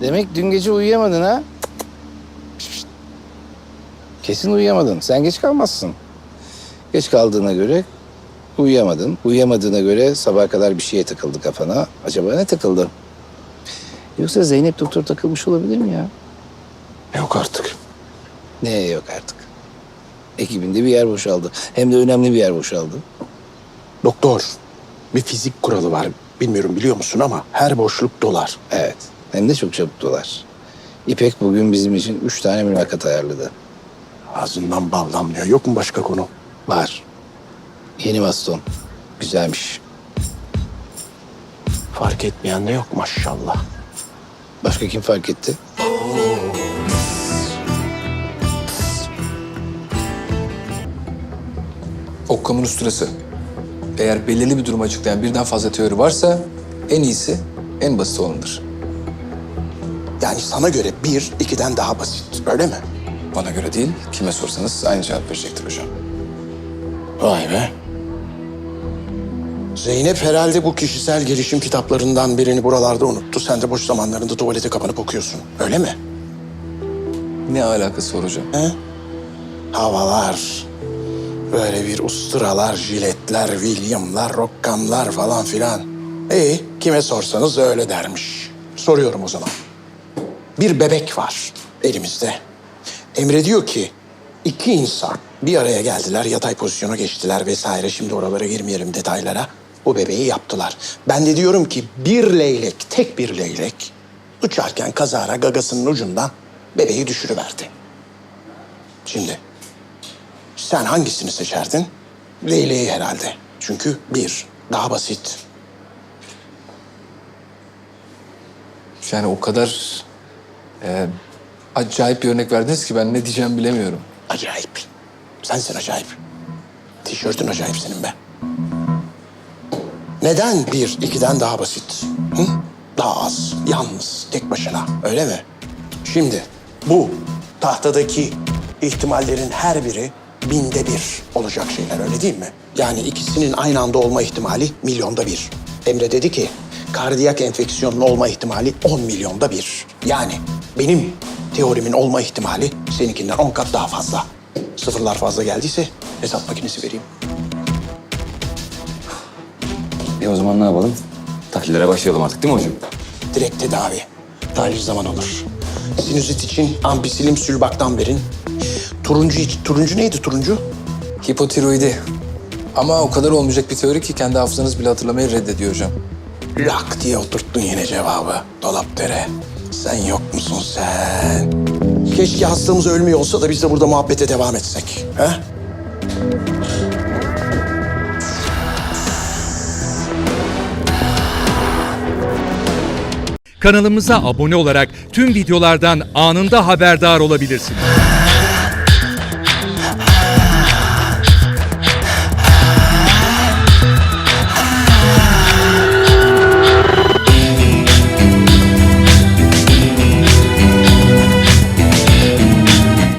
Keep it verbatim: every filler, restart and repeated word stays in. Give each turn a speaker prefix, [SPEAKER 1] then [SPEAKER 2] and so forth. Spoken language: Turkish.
[SPEAKER 1] Demek dün gece uyuyamadın ha? Şşt. Kesin uyuyamadın. Sen geç kalmazsın. Geç kaldığına göre uyuyamadın. Uyuyamadığına göre sabaha kadar bir şeye takıldı kafana. Acaba ne takıldı? Yoksa Zeynep doktor takılmış olabilir mi ya?
[SPEAKER 2] Yok artık.
[SPEAKER 1] Ne yok artık. Ekibinde bir yer boşaldı. Hem de önemli bir yer boşaldı.
[SPEAKER 2] Doktor, bir fizik kuralı var. Bilmiyorum biliyor musun ama her boşluk dolar.
[SPEAKER 1] Evet. Hem de çok çabuk dolar. İpek bugün bizim için üç tane mülakat ayarladı.
[SPEAKER 2] Ağzından bal damlıyor. Yok mu başka konu?
[SPEAKER 1] Var. Yeni baston. Güzelmiş.
[SPEAKER 2] Fark etmeyen de yok maşallah.
[SPEAKER 1] Başka kim fark etti?
[SPEAKER 3] Occam'ın usturası. Eğer belirli bir durumu açıklayan birden fazla teori varsa en iyisi, en basit olanıdır.
[SPEAKER 2] Yani sana göre bir, ikiden daha basit. Öyle mi?
[SPEAKER 3] Bana göre değil, kime sorsanız aynı cevap verecektir hocam.
[SPEAKER 2] Vay be. Zeynep herhalde bu kişisel gelişim kitaplarından birini buralarda unuttu. Sen de boş zamanlarında tuvalete kapanıp okuyorsun. Öyle mi?
[SPEAKER 3] Ne alakası var hocam?
[SPEAKER 2] He? Havalar, böyle bir usturalar, jiletler, William'lar, Rockham'lar falan filan. İyi, kime sorsanız öyle dermiş. Soruyorum o zaman. Bir bebek var elimizde. Emre diyor ki iki insan bir araya geldiler, yatay pozisyona geçtiler vesaire. Şimdi oralara girmeyelim detaylara. Bu bebeği yaptılar. Ben de diyorum ki bir leylek, tek bir leylek uçarken kazara gagasının ucundan bebeği düşürüverdi. Şimdi sen hangisini seçerdin? Leyleği herhalde. Çünkü bir, daha basit.
[SPEAKER 3] Yani o kadar e, acayip bir örnek verdiniz ki ben ne diyeceğimi bilemiyorum.
[SPEAKER 2] Acayip. Sensin acayip. Tişörtün acayip senin be. Neden bir, ikiden daha basit? Hı? Daha az, yalnız, tek başına. Öyle mi? Şimdi bu tahtadaki ihtimallerin her biri binde bir olacak şeyler, öyle değil mi? Yani ikisinin aynı anda olma ihtimali milyonda bir. Emre dedi ki kardiyak enfeksiyonun olma ihtimali on milyonda bir. Yani benim teorimin olma ihtimali seninkinden on kat daha fazla. Sıfırlar fazla geldiyse hesap makinesi vereyim.
[SPEAKER 4] E o zaman ne yapalım? Tahlillere başlayalım artık değil mi hocam?
[SPEAKER 2] Direkt tedavi. Tahlil zaman olur. Sinüzit için ampisilim sülbaktan verin. Turuncu, iç- turuncu neydi turuncu?
[SPEAKER 3] Hipotiroidi. Ama o kadar olmayacak bir teori ki kendi hafızanız bile hatırlamayı reddediyor hocam.
[SPEAKER 2] Lak diye oturttun yine cevabı. Dolapdere. Sen yok musun sen? Keşke hastamız ölmüyor olsa da biz de burada muhabbete devam etsek. He?
[SPEAKER 5] Kanalımıza abone olarak tüm videolardan anında haberdar olabilirsiniz.